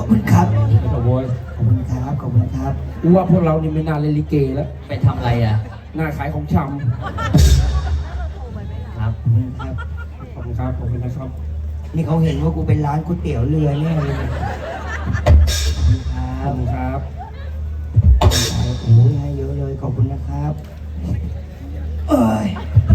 อบคุณครับขอบคุณขอบคุณครับขอบคุณครับกูว่าพวกเรานี่ไม่น่าเล่นลิเกแล้วไปทำอะไรอ่ะน่าขายของชครับขอบคุณครับำขอบคุณครับขอบคุณนะครับนี่เขาเห็นว่ากูเป็นร้านก๋วยเตี๋ยวเรือแน่เลยขอบคุณคขรัอบบคุณครับโอ้ยให้เยอะเลยขอบคุณนะครับเอ้ย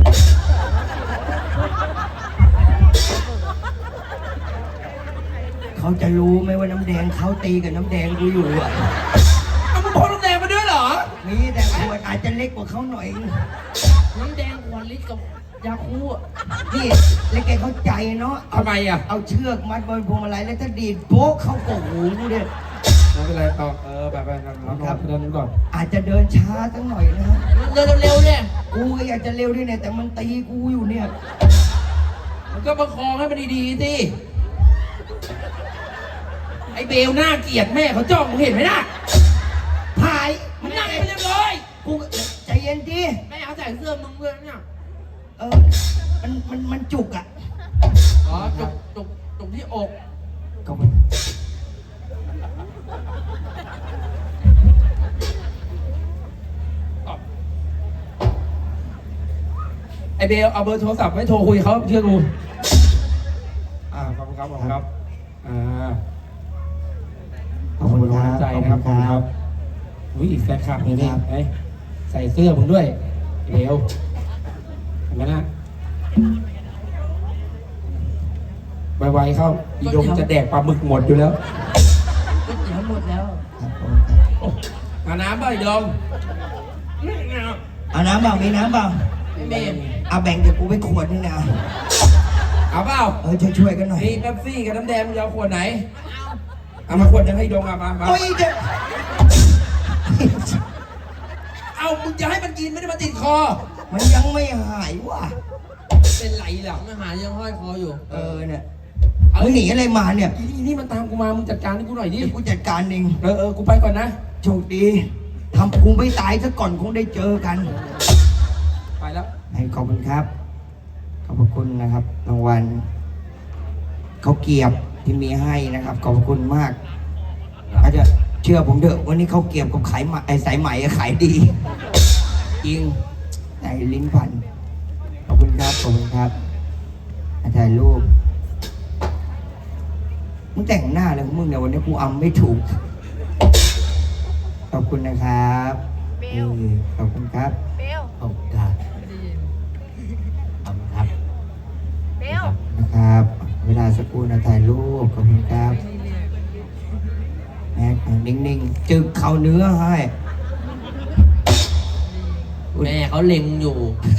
เขาจะรู้ไหมว่าน้ำแดงเขาตีกับน้ำแดงกูอยู่อ่ะเอามึงพกน้ำแดงมาด้วยเหรอมีแต่ขวดอาจจะเล็กกว่าเขาหน่อยน้ำแดงขวดลิตรกับยาคูอ่ะนี่แล้วแกเข้าใจเนาะทำไมอ่ะเอาเชือกมัดบนพวงมาลัยแล้วถ้าดีดโป๊กเข้ากกหูกูเนี่ยไม่เป็นไรต่อแบบครับเดินก่อนอาจจะเดินช้าสักหน่อยนะเดินเร็วๆเนี่ยกูก็อยากจะเร็วด้วยเนี่ยแต่มันตีกูอยู่เนี่ยมันก็ประคองให้มันดีๆสิไอ้เบลหน้าเกลียดแม่เขาจ้องมึงเห็นไหมน่ะหายมันนั่งไปเรียบร้อยกูใจเย็นดิแม่เอาใส่เสื้อมึงด้วยเนี่ยมันจุกอ่ะอ๋อจุกที่อกก็มันไอ้เบลเอาเบอร์โทรศัพท์ไว้โทรคุยเขาเชื่อกูขอบคุณครับขอบคุณครับขอบคุณกำลังใจนะครับขอบคุณครับอุ้ยอีกแฟนคลับนี่นี่ไอ้ใส่เสื้อมึงด้วยเบลเห็นไหมนะไวๆเข้าอีดงจะแดกปลาหมึกหมดอยู่แล้วก๋วยเตี๋ยวหมดแล้วครับผมเอาน้ำป่ะอีดงเอาน้ำเปล่ามีน้ำเปล่าไม่เมนเอาแบ่งเดี๋ยวกูไปขวดนึงนะเอาเปล่าช่วยกันหน่อยมีเป๊ปซี่กับน้ำแดงมึงจะเอาขวดไหนเอามาขวดยังให้ดงมาโอ้ยเด็กเอามึงจะให้มันกินไม่ได้มาติดคอมันยังไม่หายว่ะเป็นไรล่ะไม่หายังห้อยคออยู่เนี่ยมึงหนีอะไรมาเนี่ยอีนี่มันตามกูมามึงจัดการให้กูหน่อยดิเดี๋ยวกูจัดการเองกูไปก่อนนะโชคดีทำกูไม่ตายซะก่อนคงได้เจอกันไปแล้วขอบคุณครับ ขอบพระคุณนะครับรางวัลเขาเกียบที่มีให้นะครับ ขอบพระคุณมาก อาจจะเชื่อผมเถอะวันนี้เขาเกียบกับขายไหมสายไหมขายดีจริงใส่ลิ้นพันขอบคุณครับขอบคุณครับถ่ายรูปมึงแต่งหน้าเลยของมึงเนี่ยวันนี้กูอำไม่ถูกขอบคุณนะครับขอบคุณครับเบลขอบคุณครับขอบคุณครับเบลนะครับ เวลาสักครู่นะถ่ายรูปขอบคุณครับแม็กนิ่งๆจึกเข้าเนื้อให้แม่เขาเล็งอยู่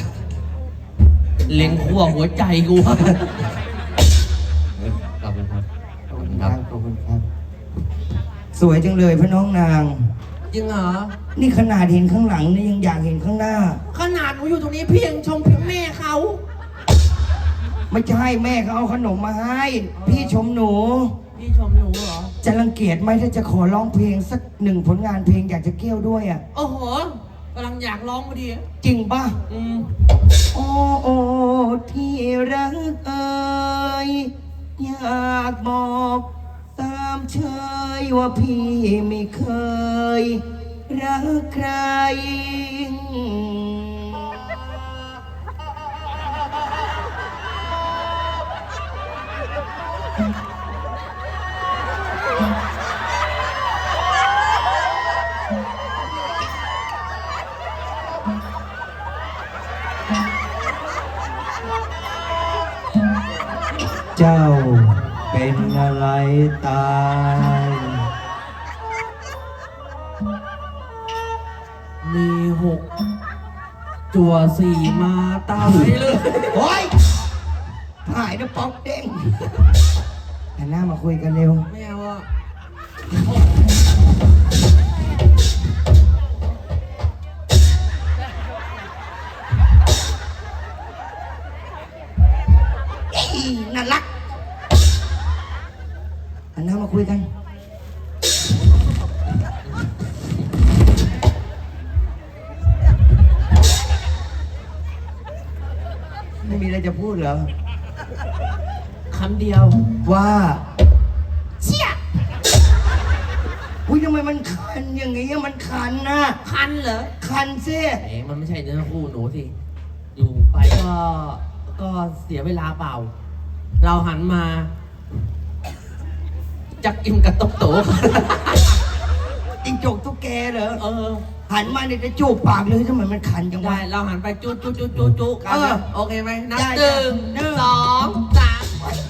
เล็งขั้วหัวใจกูขอบคุณครับขอบคุณครับขอบคุณครับ สวยจังเลยพระน้องนางจริงเหรอนี่ขนาดเห็นข้างหลังนี่ยังอยากเห็นข้างหน้าขนาดหนูอยู่ตรงนี้เพียงชมเพียงแม่เขาไม่ใช่แม่เขาเอาขนมมาให้ พี่ชมหนูพี่ชมหนูเหรอจะรังเกียจไหมถ้าจะขอร้องเพลงสักหนึ่งผลงานเพลงอยากจะเกี่ยวด้วยอ่ะโอ้โหกำลังอยากร้องพอดีจริงป่ะอืมโอ้โอ้ที่รักเอ่ยอยากบอกตามเชยว่าพี่ไม่เคยรักใคร เจ้าเป็นอะไรตายมีจั่วสี่มาตายเลยโอ้ยหายนะป๊อกเด้งหันหน้ามาคุยกันเร็วไม่เอาอ่ะน่ารักหันหน้ามาคุยกัน ไม่มีอะไรจะพูดเหรอคำเดียวว่าเชี่ยมันคันอย่างงี้มันคันนะคันเหรอคันสิเอ๋มันไม่ใช่เนื้อคู่หนูสิ อยู่ไปก็เสียเวลาเปล่า เราหันมาจักกิมกับตกโตจิงจกตุ๊กแกเหรออหันมาเนี่ยจะจูบปากเลยทำไมมันคันจังได้วะเราหันไปจุกันนะโอเคไหมนับได้หนึ่งหนึ่งสองสามไ